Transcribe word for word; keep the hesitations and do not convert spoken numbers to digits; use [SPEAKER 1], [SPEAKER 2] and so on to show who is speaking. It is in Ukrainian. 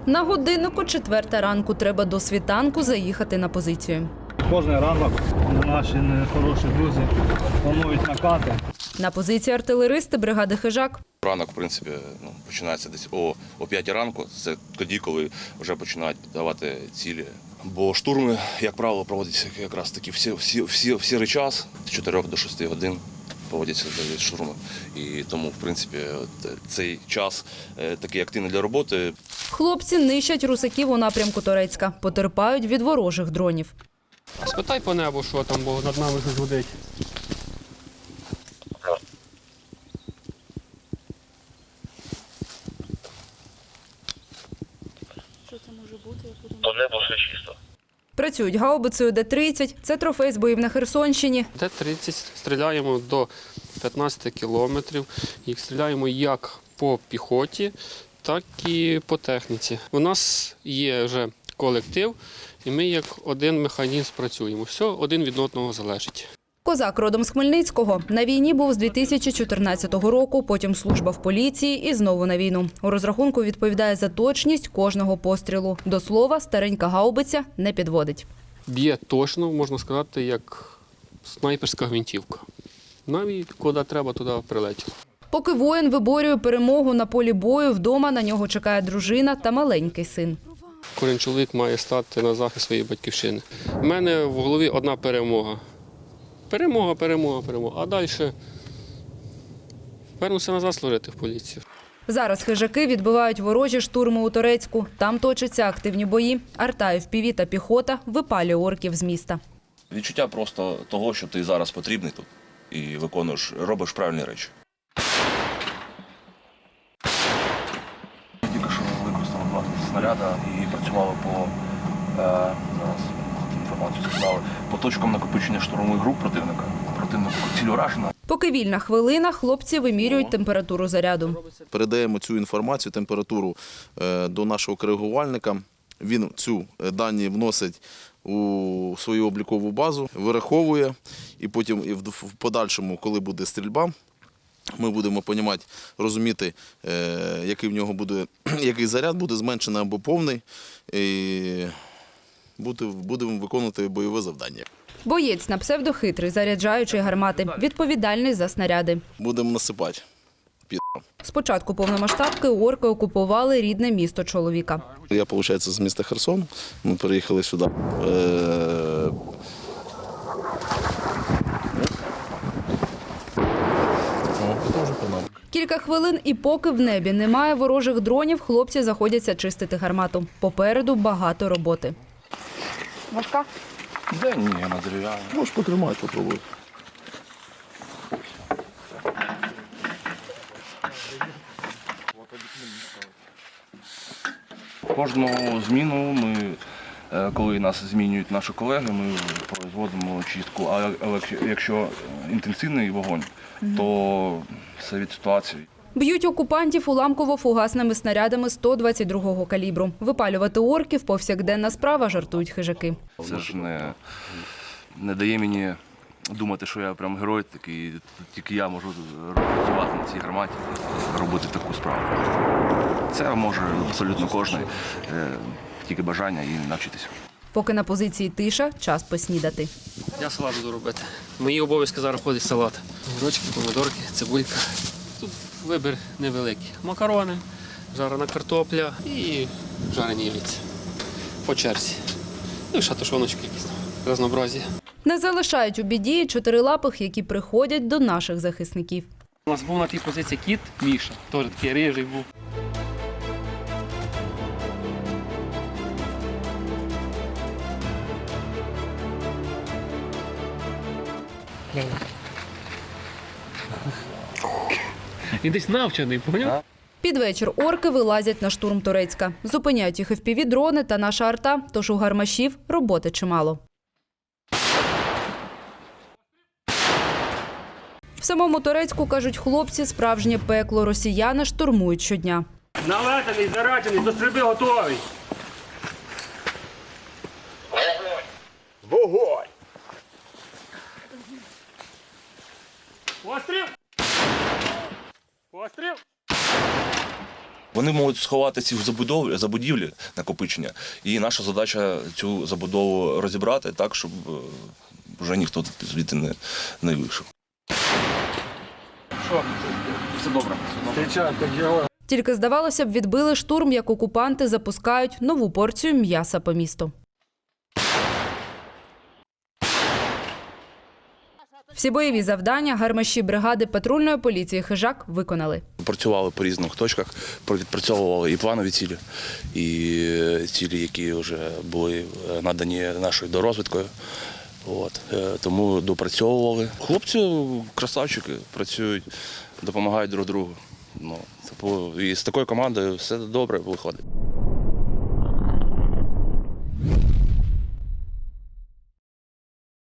[SPEAKER 1] На годиннику четверта ранку треба до світанку заїхати на позицію.
[SPEAKER 2] Кожен ранок наші хороші друзі планують накати.
[SPEAKER 1] На позиції артилеристи бригади «Хижак».
[SPEAKER 3] Ранок, в принципі, ну, починається десь о, о п'ятій ранку. Це тоді, коли вже починають давати цілі. Бо штурми, як правило, проводяться якраз таки всі, всі, всі, в сірий час, з чотирьох до шести годин проводяться штурми. І тому, в принципі, цей час такий активний для роботи.
[SPEAKER 1] Хлопці нищать русаків у напрямку Торецька, потерпають від ворожих дронів.
[SPEAKER 4] Спитай по небу, що там, бо над нами щось гудить.
[SPEAKER 5] Що це може бути?
[SPEAKER 6] По небу все чисто.
[SPEAKER 1] Працюють гаубицею Д тридцять, це трофей з боїв на Херсонщині.
[SPEAKER 4] Д тридцять стріляємо до п'ятнадцяти кілометрів. Їх стріляємо як по піхоті, так і по техніці. У нас є вже колектив, і ми як один механізм працюємо. Все один від одного залежить.
[SPEAKER 1] Козак родом з Хмельницького. На війні був з дві тисячі чотирнадцятого року, потім служба в поліції і знову на війну. У розрахунку відповідає за точність кожного пострілу. До слова, старенька гаубиця не підводить.
[SPEAKER 4] Б'є точно, можна сказати, як снайперська гвинтівка. Навіть куди треба, туди прилетіло.
[SPEAKER 1] Поки воїн виборює перемогу на полі бою, вдома на нього чекає дружина та маленький син.
[SPEAKER 4] Кожен чоловік має стати на захист своєї батьківщини. У мене в голові одна перемога. Перемога, перемога, перемога. А далі вернуся назад служити в поліцію.
[SPEAKER 1] Зараз хижаки відбивають ворожі штурми у Торецьку. Там точаться активні бої. Арта, еф пі ві та піхота випалює орків з міста.
[SPEAKER 3] Відчуття просто того, що ти зараз потрібний тут і виконуєш, робиш правильні речі.
[SPEAKER 6] Тільки що використали два снаряди і працювали по, е, зараз інформацію сказали, по точкам накопичення штурмових груп противника. Противнику ціль уражена.
[SPEAKER 1] Поки вільна хвилина, хлопці вимірюють температуру заряду.
[SPEAKER 7] Передаємо цю інформацію, температуру до нашого коригувальника. Він цю дані вносить у свою облікову базу, вираховує, і потім в подальшому, коли буде стрільба, ми будемо розуміти, розуміти, який в нього буде, який заряд буде зменшений або повний, і будемо виконувати бойове завдання.
[SPEAKER 1] Боєць на псевдохитрий, заряджаючий гармати, відповідальний за снаряди.
[SPEAKER 7] Будемо насипати.
[SPEAKER 1] З початку повномасштабки орки окупували рідне місто чоловіка.
[SPEAKER 7] Я, виходить, з міста Херсон. Ми переїхали сюди.
[SPEAKER 1] Кілька хвилин і поки в небі немає ворожих дронів, хлопці заходяться чистити гармату. Попереду багато роботи.
[SPEAKER 5] Важка?
[SPEAKER 6] Да ні, на дерев'яні.
[SPEAKER 7] Можеш потримати, попробуй.
[SPEAKER 6] Кожну зміну ми, коли нас змінюють наші колеги, ми производимо чистку. А якщо інтенсивний вогонь, то все від ситуації.
[SPEAKER 1] Б'ють окупантів уламково-фугасними снарядами сто двадцять другого калібру. Випалювати орків – повсякденна справа, жартують хижаки.
[SPEAKER 6] Це ж не, не дає мені думати, що я прям герой такий, тільки я можу працювати на цій гарматі, робити таку справу. Це може абсолютно кожен, тільки бажання і навчитися.
[SPEAKER 1] Поки на позиції тиша, час поснідати.
[SPEAKER 4] Я салат буду робити. Мої обов'язки зараз ходить салат. Огірочки, помидорки, цибулька. Тут вибір невеликий. Макарони, жарена картопля і жарені яйця. По черзі. Ну і шатушоночки якісь, разнообразі.
[SPEAKER 1] Не залишають у біді чотирилапих, які приходять до наших захисників.
[SPEAKER 4] У нас був на тій позиції кіт Міша, теж такий рижий був. Він десь навчений, поняв?
[SPEAKER 1] Під вечір орки вилазять на штурм Торецька. Зупиняють їх еф пі ві-дрони та наша арта, тож у гармашів роботи чимало. В самому Торецьку, кажуть хлопці, справжнє пекло. Росіяни штурмують щодня.
[SPEAKER 2] Налетаний, заряджений, до стрільби готовий. Вогонь! Постріл! Постріл!
[SPEAKER 3] Вони можуть сховати ці забудовлі, забудівлі, накопичення, і наша задача цю забудову розібрати так, щоб е, вже ніхто звідти не, не вийшов.
[SPEAKER 1] Тільки, здавалося б, відбили штурм, як окупанти запускають нову порцію м'яса по місту. Всі бойові завдання гармаші бригади патрульної поліції «Хижак» виконали.
[SPEAKER 3] Працювали по різних точках, відпрацьовували і планові цілі, і цілі, які вже були надані нашою дорозвідкою. От. Тому допрацьовували. Хлопці, красавчики, працюють, допомагають друг другу. Ну, і з такою командою все добре виходить.